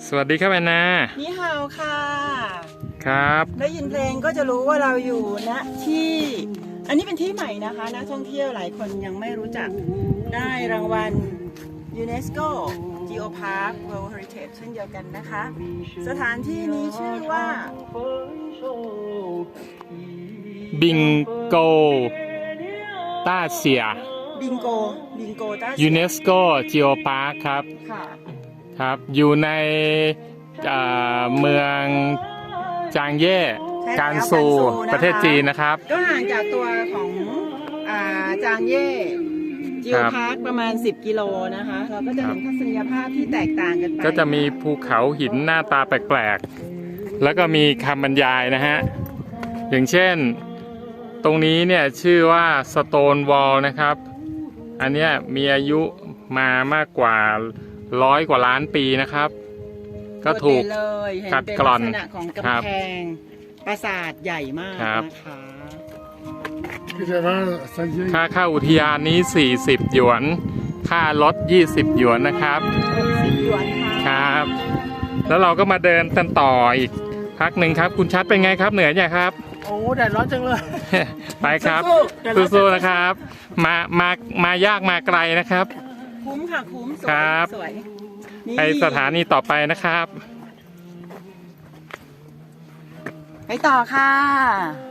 สวัสดีครับแอนนานี่ฮาวค่ะครับได้ยินเพลงก็จะรู้ว่าเราอยู่ณที่อันนี้เป็นที่ใหม่นะคะนักท่องเที่ยวหลายคนยังไม่รู้จักได้รางวัล UNESCO Geopark World Heritage เช่นเดียวกันนะคะสถานที่นี้ชื่อว่าบิงโกต้าเซียบิงโกต้ายูเนสโกจีโอพาร์คครับค่ะครับอยู่ในเมืองจางเย่การซูประเทศจีนนะครับก็ห่างจากตัวของจางเย่จิโอพาร์คประมาณ10 กิโลนะคะเราก็จะเห็นทัศนียภาพที่แตกต่างกันไปก็จะมีภูเขาหินหน้าตาแปลกๆแล้วก็มีคำบรรยายนะฮะอย่างเช่นตรงนี้เนี่ยชื่อว่า Stone Wall นะครับอันเนี้ยมีอายุมามากกว่า100 กว่าล้านปีนะครับก็ถูกกัดกร่อนลักษณะของกำแพงปราสาทใหญ่มากนะคะค่าเข้าอุทยานนี้40 หยวนค่ารถ20 หยวนนะครับ 60 หยวนครับแล้วเราก็มาเดินกันต่ออีกพักหนึ่งครับคุณชัดเป็นไงครับเหนื่อยยังครับโอ้แดดร้อนจังเลยไปครับสู้ๆนะครับมายากมาไกลนะครับคุ้มค่ะคุ้มสวยไปสถานีต่อไปนะครับไปต่อค่ะ